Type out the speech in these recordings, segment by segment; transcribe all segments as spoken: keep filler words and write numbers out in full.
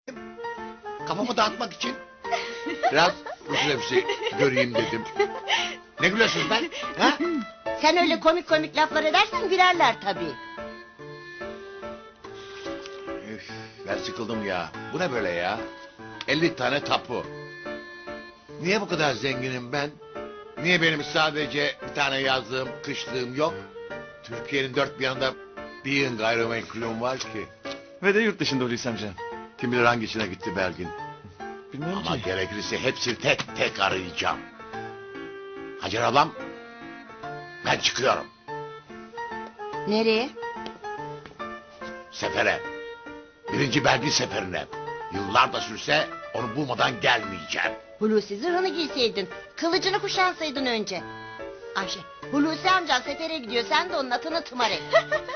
Kafamı dağıtmak için. Biraz Rus nefsi göreyim dedim. Ne gülüyorsunuz ben? Ha? Sen öyle komik komik laflar edersen gülerler tabii. Üf, ben sıkıldım ya. Bu ne böyle ya? elli tane tapu. Niye bu kadar zenginim ben? Niye benim sadece bir tane yazdığım, kışlığım yok? Türkiye'nin dört bir yanında bir yığın gayrimenkulüm var ki. Ve de yurt dışında Hulusi amca. Kim bilir hangisine gitti Belgin. Bilmiyorum Ama ki. gerekirse hepsini tek tek arayacağım. Hacer ablam, ben çıkıyorum. Nereye? Sefere. Birinci Belgin seferine. Yıllar da sürse onu bulmadan gelmeyeceğim. Hulusi zırhını giyseydin. Kılıcını kuşansaydın önce. Ayşe, Hulusi amcan sefere gidiyor. Sen de onun atını tımar et.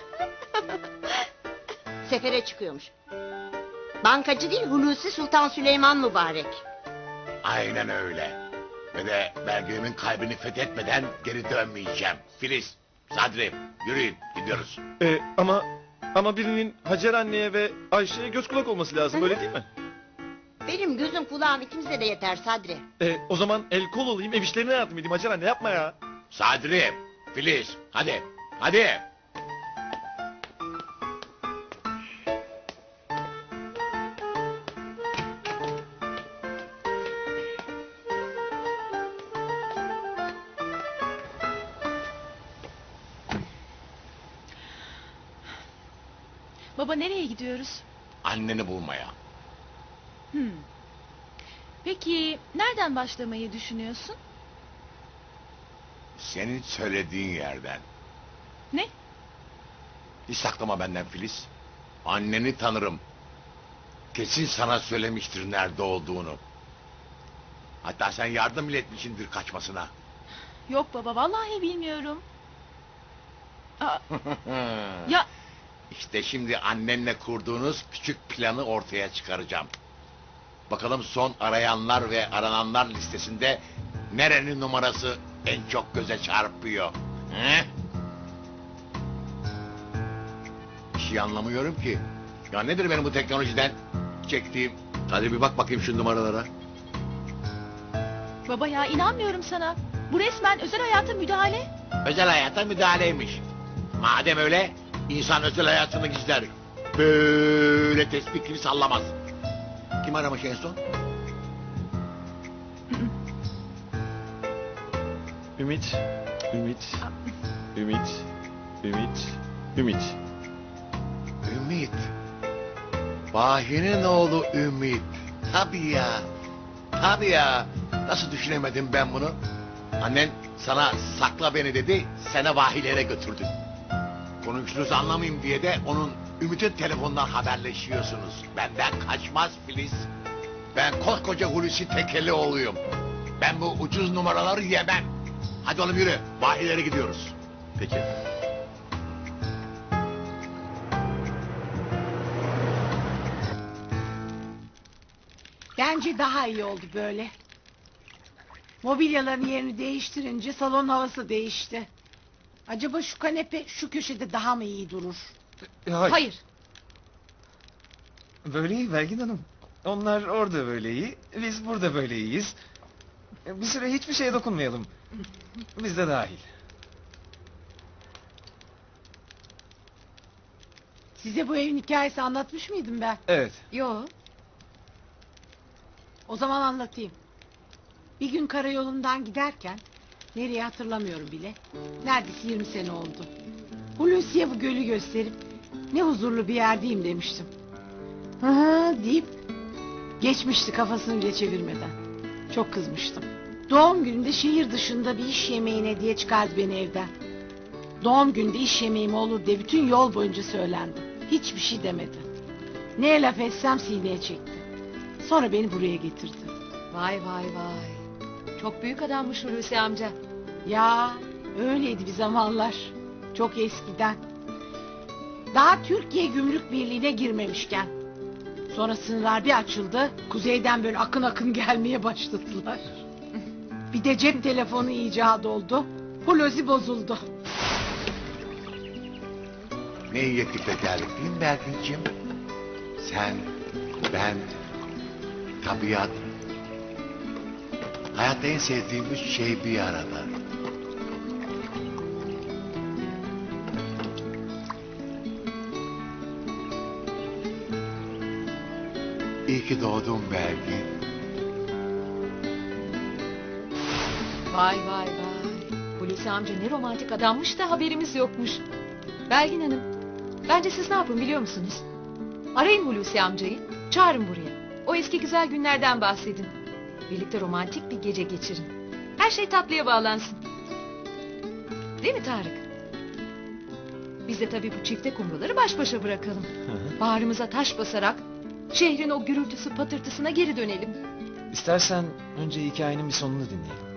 Sefere çıkıyormuş. Bankacı değil, Hulusi Sultan Süleyman mübarek. Aynen öyle. Ve de Belgin'imin kalbini fethetmeden geri dönmeyeceğim. Filiz, Sadri, yürüyün gidiyoruz. Ee, ama ama birinin Hacer anneye ve Ayşe'ye göz kulak olması lazım, Hı. öyle değil mi? Benim gözüm kulağım ikimize de yeter Sadri. Ee, o zaman el kol olayım, ev işlerine yardım edeyim. Hacer anne yapma ya. Sadri, Filiz, hadi, hadi. Baba nereye gidiyoruz? Anneni bulmaya. Hmm. Peki nereden başlamayı düşünüyorsun? Senin söylediğin yerden. Ne? Hiç saklama benden Filiz. Anneni tanırım. Kesin sana söylemiştir nerede olduğunu. Hatta sen yardım bile etmişsindir kaçmasına. Yok baba vallahi bilmiyorum. Aa, ya İşte şimdi annenle kurduğunuz küçük planı ortaya çıkaracağım. Bakalım son arayanlar ve arananlar listesinde nerenin numarası en çok göze çarpıyor. He? Bir şey anlamıyorum ki. Ya nedir benim bu teknolojiden çektiğim? Hadi bir bak bakayım şu numaralara. baba ya inanmıyorum sana. Bu resmen özel hayata müdahale. Özel hayata müdahaleymiş. Madem öyle, insan özel hayatını gizler. Böyle tespih gibi sallamaz. Kim aramış en son? Ümit, Ümit, Ümit, Ümit, Ümit. Ümit. Bahi'nin oğlu Ümit. Tabii ya. Tabii ya. Nasıl düşünemedim ben bunu? Annen sana sakla beni dedi, seni vahilere götürdü. Konuştuğunuzu anlamayayım diye de onun Ümit'in telefonundan haberleşiyorsunuz. Benden kaçmaz Filiz. Ben koskoca Hulusi Tekelioğlu'yum. Ben bu ucuz numaraları yemem. Hadi oğlum yürü, vahilere gidiyoruz. Peki. Bence daha iyi oldu böyle. Mobilyaların yerini değiştirince salon havası değişti. Acaba şu kanepe şu köşede daha mı iyi durur? Hayır. Hayır. Böyle iyi Belgin Hanım. Onlar orada böyle iyi, biz burada böyle iyiyiz. Bir süre hiçbir şeye dokunmayalım. Biz de dahil. Size bu evin hikayesi anlatmış mıydım ben? Evet. Yo. O zaman anlatayım. Bir gün karayolundan giderken, nereye hatırlamıyorum bile, neredeyse yirmi sene oldu. Hulusi'ye bu gölü gösterip ne huzurlu bir yerdeyim demiştim. Hı hı deyip geçmişti kafasını bile çevirmeden. Çok kızmıştım. Doğum gününde şehir dışında bir iş yemeğine diye çıkardı beni evden. Doğum gününde iş yemeğim olur diye bütün yol boyunca söylendi. Hiçbir şey demedi. Ne laf etsem sineye çekti. Sonra beni buraya getirdi. Vay vay vay. Çok büyük adammış Hulusi amca. Ya öyleydi bir zamanlar. Çok eskiden. Daha Türkiye Gümrük Birliği'ne girmemişken. Sonra sınırlar bir açıldı. Kuzeyden böyle akın akın gelmeye başladılar. Bir de cep telefonu icat oldu. Hulusi bozuldu. Ne iyi ettik de geldik değil mi Belgin'ciğim? Sen ben, tabiat, hayatta en sevdiğim üç şey bir arada. İyi ki doğdun Belgin. Vay vay vay. Hulusi amca ne romantik adammış da haberimiz yokmuş. Belgin Hanım, bence siz ne yapın biliyor musunuz? Arayın Hulusi amcayı, çağırın buraya. O eski güzel günlerden bahsedin. Birlikte romantik bir gece geçirin. Her şey tatlıya bağlansın. Değil mi Tarık? Biz de tabii bu çifte kumruları baş başa bırakalım. Bağrımıza taş basarak şehrin o gürültüsü patırtısına geri dönelim. İstersen önce hikayenin bir sonunu dinleyelim.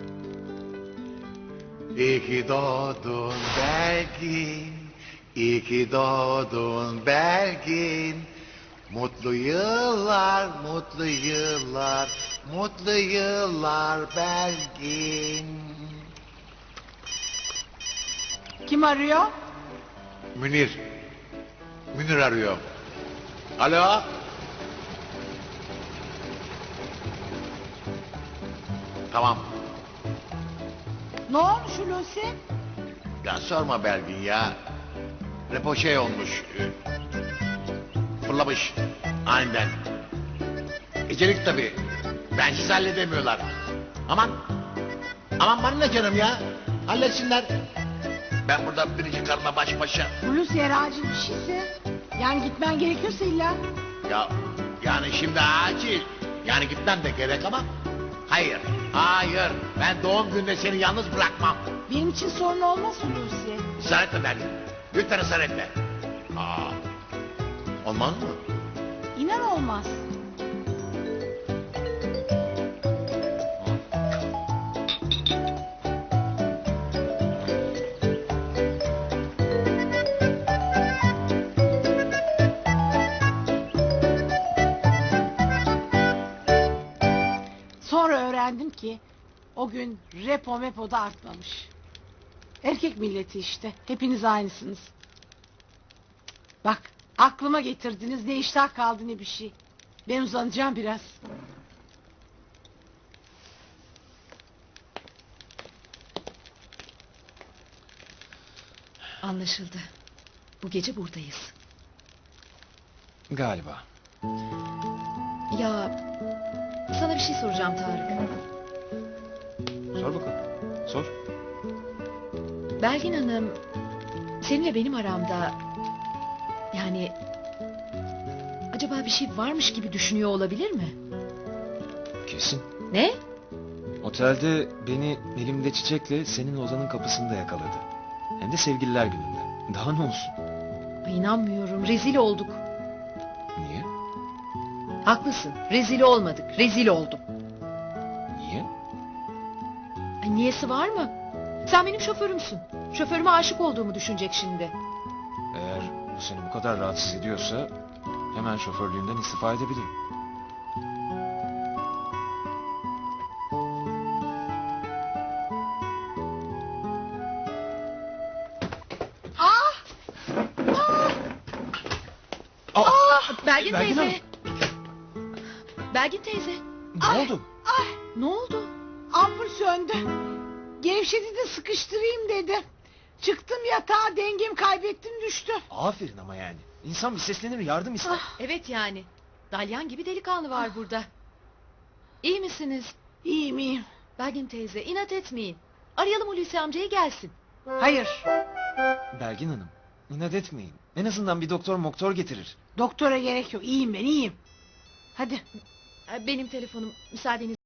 İyi ki doğdun Belgin, iyi ki doğdun Belgin. Mutlu yıllar, mutlu yıllar, mutlu yıllar Belgin. Kim arıyor? Münir, Münir arıyor. Alo? Tamam. Ne olmuş Hulusi? Ya sorma Belgin ya. Repo şey olmuş. e, Fırlamış aniden. Ecelik tabii. Bensiz halledemiyorlar. Aman. Aman bana ne canım ya. Halletsinler. Ben burada birinci karıma baş başa. Hulusi eğer acil bir şeyse. Yani gitmen gerekiyorsa illa. Ya yani şimdi acil. Yani gitmem de gerek ama. Hayır. Hayır. Ben doğum gününde seni yalnız bırakmam. Benim için sorun olmaz Hulusi. Israr etme Belgin. Lütfen ısrar etme. Aa, olmaz mı? İnan olmaz. Sonra öğrendim ki o gün repo mepo da artmamış. Erkek milleti işte. Hepiniz aynısınız. Bak aklıma getirdiniz, ne iştah kaldı ne bir şey. Ben uzanacağım biraz. Anlaşıldı. Bu gece buradayız. Galiba. Ya sana bir şey soracağım Tarık. Sor bakalım. Sor. Belgin Hanım seninle benim aramda yani acaba bir şey varmış gibi düşünüyor olabilir mi? Kesin. Ne? Otelde beni elimde çiçekle senin odanın kapısında yakaladı. Hem de sevgililer gününde. Daha ne olsun? Ay, İnanmıyorum, rezil olduk. Niye? Haklısın, rezil olmadık, rezil oldum. Niye? Ay, niyesi var mı? Sen benim şoförümsün. Şoförüme aşık olduğumu düşünecek şimdi. Eğer bu seni bu kadar rahatsız ediyorsa hemen şoförlüğümden istifa edebilirim. Belgin, Belgin teyze. Belgin teyze. Ne oldu? Ay Ne oldu? ampul söndü. Gevşedi de sıkıştırayım dedim. Çıktım yatağa, dengemi kaybettim düştüm. Aferin ama yani. İnsan bir seslenir, yardım ister. Evet yani. Dalyan gibi delikanlı var burada. İyi misiniz? İyiyim iyiyim. Belgin teyze inat etmeyin. Arayalım Hulusi amcayı gelsin. Hayır, Belgin Hanım, inat etmeyin. En azından bir doktor moktor getirir. doktora gerek yok. İyiyim ben iyiyim. Hadi. Benim telefonum müsaadeniz.